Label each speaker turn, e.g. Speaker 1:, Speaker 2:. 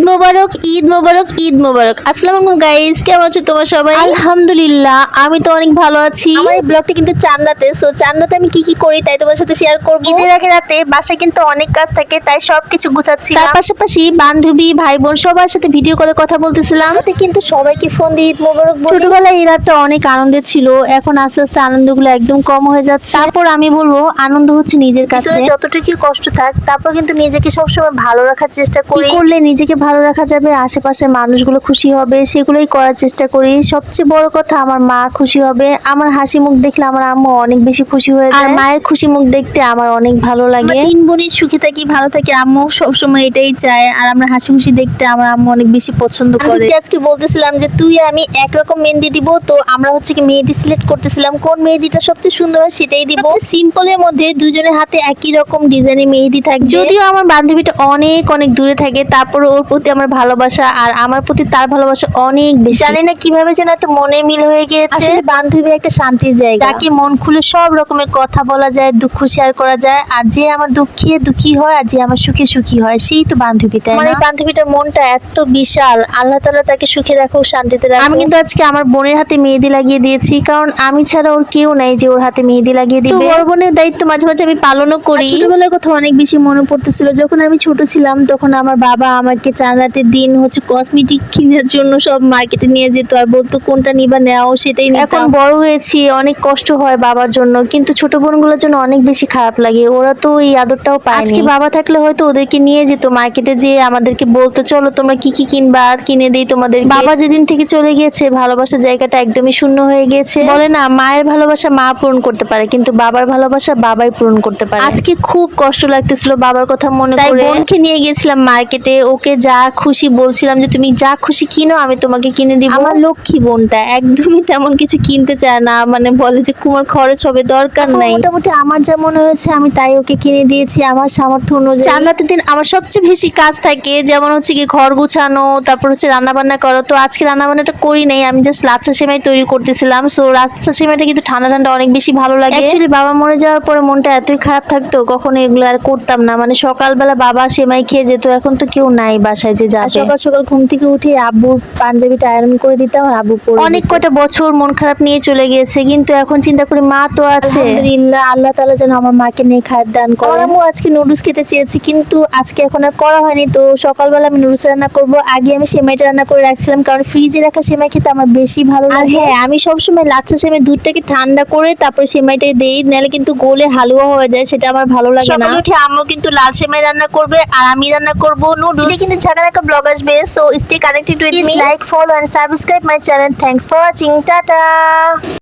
Speaker 1: মোবারক, ঈদ মোবারক, ঈদ মোবারক। আসসালামু আলাইকুম গাইস, কেমন আছো তোমরা সবাই? আলহামদুলিল্লাহ, আমি তো অনেক ভালো আছি। আমার এই ব্লগটা কিন্তু চান্নাতে, সো চান্নাতে আমি কি কি করি তাই তোমার সাথে শেয়ার করব। ঈদের আগে রাতে বাসায় কিন্তু অনেক কাজ থাকে, তাই সবকিছু গুছাচ্ছি। তার পাশাপাশি বান্ধবী, ভাই বোন সবার সাথে ভিডিও করে কথা বলতেছিলাম। কিন্তু সবাইকে ফোন দিয়ে ঈদ মোবারক বলি। ছোটবেলায় এই রাতটা অনেক আনন্দের ছিল, এখন আস্তে আস্তে আনন্দগুলো একদম কম হয়ে যাচ্ছে। তারপর আমি বলবো আনন্দ হচ্ছে নিজের কাছে। যতটুকু কষ্ট থাক, তারপর কিন্তু নিজেকে সবসময় ভালো রাখার চেষ্টা করি। করলে নিজেকে ভালো রাখা যাবে, আশেপাশের মানুষগুলো খুশি হবে, সেগুলোই করার চেষ্টা করি। সবচেয়ে বড় কথা, আমার মা খুশি হবে। আমার হাসি মুখ দেখলে আমার আম্মু অনেক বেশি খুশি হয়ে যায়। আর মায়ের খুশি মুখ দেখতে আমার অনেক ভালো লাগে। তিন বোনের সুখী থাকি, ভালো থাকি, আম্মু সবসময় এটাই চায়। আর আমরা হাসি খুশি দেখতে আমার আম্মু অনেক বেশি পছন্দ করে। আজকে বলতেছিলাম যে তুই আমি একরকম মেহেদি দিব, তো আমরা হচ্ছে কি মেহেদি সিলেক্ট করতেছিলাম কোন মেহেদিটা সবচেয়ে সুন্দর হয় সেটাই দিব। সিম্পলের মধ্যে দুজনের হাতে একই রকম ডিজাইনের মেহেদি থাকবে। যদিও আমার বান্ধবীটা অনেক অনেক দূরে থাকে, তারপর ওর প্রতি আমার ভালোবাসা আর আমার প্রতি তার ভালোবাসা অনেক বেশি। জানি না কিভাবে যেন এত মনে মিল হয়ে গিয়েছে। আসলে বান্ধবী একটা শান্তির জায়গা, তাকে মন খুলে সব রকমের কথা বলা যায়, দুঃখ শেয়ার করা যায়। আর যে আমার দুঃখে দুঃখী হয় আর যে আমার সুখে সুখী হয়, সেই তো বান্ধবী, তাই না? আমার এই বান্ধবীটার মনটা এত বিশাল, আল্লাহ তাআলা তাকে সুখে রাখুক, শান্তিতে রাখুক। আমি কিন্তু আজকে আমার বোনের হাতে মেহেদি লাগিয়ে দিয়েছি, কারণ আমি ছাড়া ওর কেউ নাই যে ওর হাতে মেহেদি লাগিয়ে দিবে। তো বড় বোনের দায়িত্ব মাঝে মাঝে আমি পালনও করি। ছোটবেলার কথা অনেক বেশি মনে পড়তেছিল। যখন আমি ছোট ছিলাম তখন আমার বাবা আমাকে চাঁদাতের দিন হচ্ছে কসমেটিক কেনার জন্য সব মার্কেটে নিয়ে যেত আর বলতো কোনটা নিবা নাও, সেটাই নিতাম। এখন বড় হয়েছি, অনেক কষ্ট হয় বাবার জন্য, কিন্তু ছোট বোনগুলোর জন্য অনেক বেশি খারাপ লাগে। ওরা তো এই আদরটাও পায়নি। আজকে বাবা থাকলে হয়তো ওদেরকে নিয়ে যেত মার্কেটে, যেয়ে আমাদেরকে বলতো চলো তোমরা কি কি কিনবা, কিনে দেই তোমাদের। বাবা যেদিন থেকে চলে গিয়েছে, ভালোবাসার জায়গাটা একদমই শূন্য হয়ে গিয়েছে। বলে না, মায়ের ভালোবাসা মা পূরণ করতে পারে, কিন্তু বাবার ভালোবাসা বাবাই পূরণ করতে পারে। আজকে খুব কষ্ট লাগতেছিল বাবার কথা মনে করে। বোনকে নিয়ে গেছিলাম মার্কেটে, ওকে যা খুশি বলছিলাম যে তুমি যা খুশি কিনো, আমি তোমাকে কিনে দিব। আমার লক্ষ্মী বোনটা একদমই তেমন কিছু কিনতে চায় না, মানে বলে যে তোমার খরচ হবে, দরকার নাই। মোটামুটি আমার যা মনে হয়েছে আমি তাই ওকে কিনে দিয়েছি আমার সামর্থ্য অনুযায়ী। চাঁদাতের দিন আমার সবচেয়ে বেশি কাজ থাকে, যেমন হচ্ছে কি ঘর গুছানো, তারপর হচ্ছে রান্না বান্না করো। তো আজকে রান্না বান্নাটা করি নাই, আমি জাস্ট লাচ্ছা সেমাই তৈরি করতেছিলাম। সো লাচ্ছা সেমাইটা কিন্তু ঠান্ডা ঠান্ডা অনেক বেশি ভালো লাগে। অ্যাকচুয়ালি বাবা মরে যাওয়ার পরে মনটা এতই খারাপ থাকতো, কখনো এগুলো আর করতাম না। মানে সকালবেলা বাবা সেমাই খেয়ে যেত, এখন তো কেউ নাই বাসায় যে যাবে। সকাল সকাল ঘুম থেকে উঠে আব্বুর পাঞ্জাবিটা আয়রন করে দিতাম আর আব্বু পরে অনেক কয়টা বছর মন খারাপ নিয়ে চলে গিয়েছে, কিন্তু এখন চিন্তা করি মা তো আছে। আলহামদুলিল্লাহ, আল্লাহ তাআলা যেন আমার মাকে নিয়ে খায়ের দান করে। আমার আম্মু আজকে নুডলস খেতে চেয়েছি, কিন্তু আজকে এখন আর করা হয়নি। তো সকালবেলা আমি নুডলস রান্না করব। আগে আমি সেমাইটা রান্না করে রাখছিলাম, কারণ ফ্রিজে রাখা সেমাই খেতে আমার বেশি ভালো লাগে। আর হ্যাঁ, আমি সবসময় লাচ্ছা সেমাই দুধটাকে ঠান্ডা করে তারপর সেমাইটা দেই, নাহলে কিন্তু গোলে হালুয়া হয়ে যায়, সেটা আমার ভালো লাগে না। সকালে উঠে আম্মু কিন্তু লাল সেমাই রান্না করবে আর আমি রান্না করব নুডলস। এটা কিন্তু ঝাঁকার একটা ব্লগ আসবে, so stay connected with me. Like, follow and subscribe my channel. Thanks for watching, tata.